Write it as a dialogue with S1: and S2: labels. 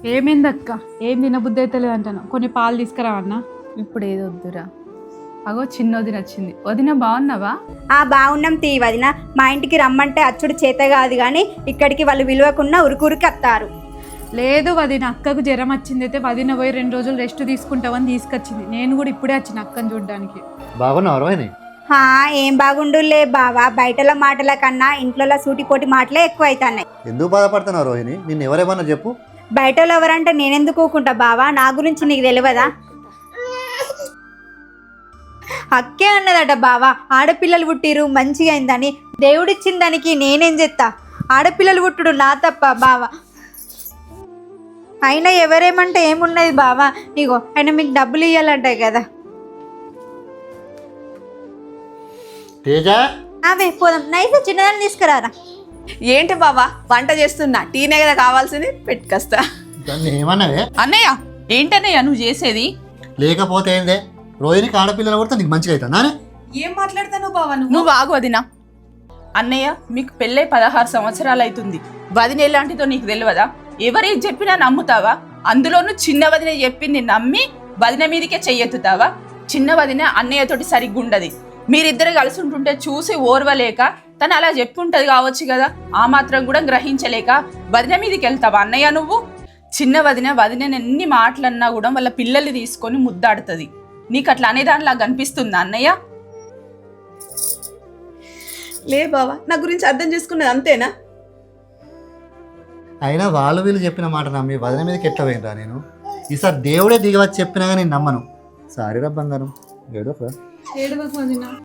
S1: ఏమైందక్క? ఏం తినబుద్ధి అయితే లేదంటాను. కొన్ని పాలు తీసుకురావన్నా.
S2: ఇప్పుడు ఏది వద్దురా. అగో చిన్న వదిన వచ్చింది. వదిన బాగున్నావా?
S3: బాగున్నాం తీ వదిన. మా ఇంటికి రమ్మంటే అచ్చుడు చేత కాదు కానీ ఇక్కడికి వాళ్ళు విలువకున్న ఉరుకురికి వస్తారు.
S1: లేదు వదిన, అక్కకు జ్వరం వచ్చింది అయితే వదిన పోయి 2 రోజులు రెస్ట్ తీసుకుంటావని తీసుకొచ్చింది. నేను కూడా ఇప్పుడే వచ్చిన అక్కని చూడడానికి.
S4: బాగున్నావు రోహిణి?
S3: ఏం బాగుండులే బావా, బయటల మాటల కన్నా ఇంట్లో సూటిపోటి మాటలే ఎక్కువ అవుతున్నాయి.
S4: ఎందుకు బాధపడుతున్నావు రోహిణి? నిన్ను ఎవరేమన్నా చెప్పు.
S3: బయటలో ఎవరంటే నేనెందుకు ఊకుంటా బావా? నా గురించి నీకు తెలియదా? అక్కే అన్నదట బావా, ఆడపిల్లలు పుట్టిరు మంచిగా అయిందని. దేవుడిచ్చిన దానికి నేనేం చేస్తా? ఆడపిల్లలు పుట్టుడు నా తప్ప బావా. అయినా ఎవరేమంటే ఏమున్నది బావా, ఇగో ఆయన మీకు డబ్బులు ఇవ్వాలంటాయి కదా.
S4: తేజ,
S3: అవే పోదాం. నైస్ చిన్నదాన్ని తీసుకురారా.
S5: ఏంటి బావా వంట చేస్తున్నా, టీనే కదా కావాల్సింది, పెట్టుకొస్తా.
S4: దాన్ని ఏమన్నావే?
S5: అన్నయ్య ఏంటన్నయ్య నువ్వు చేసేది?
S4: లేకపోతే ఏందే, రోహిణికి ఆడపిల్లలు కొడితే నీకు మంచిగా అవుతా?
S5: ఏం మాట్లాడతాను బావా నువ్వు ఆగు వదినా. అన్నయ్య మీకు పెళ్ళై 16 సంవత్సరాలు అవుతుంది. వదిన ఎలాంటిదో నీకు తెలియదా? ఎవరేం చెప్పినా నమ్ముతావా? అందులోనూ చిన్న వదిన చెప్పింది నమ్మి వదిన మీదకే చెయ్యెత్తుతావా? చిన్న వదిన అన్నయ్యతోటి సరిగ్గా ఉండదు. మీరిద్దరు కలిసి ఉంటుంటే చూసి ఓర్వలేక తను అలా చెప్పుంటది కావచ్చు కదా, ఆ మాత్రం కూడా గ్రహించలేక వదిన మీదకి వెళ్తావా అన్నయ్య నువ్వు? చిన్న వదిన వదిన ఎన్ని మాటలన్నా కూడా వాళ్ళ పిల్లల్ని తీసుకొని ముద్దాడుతుంది. నీకు అట్లా అనేదానిలా కనిపిస్తుందా అన్నయ్య? లే బావా, నా గురించి అర్థం చేసుకున్నది అంతేనా?
S4: అయినా వాళ్ళు వీళ్ళు చెప్పిన మాట నమ్మి వదిన మీదకి ఎట్లా పోయినరా నేను? ఈసారి దేవుడే దిగవచ్చి చెప్పినా కానీ నేను నమ్మను. సారీరా బంగారం, ఏడోరా.
S1: ఏడవకు వదిన.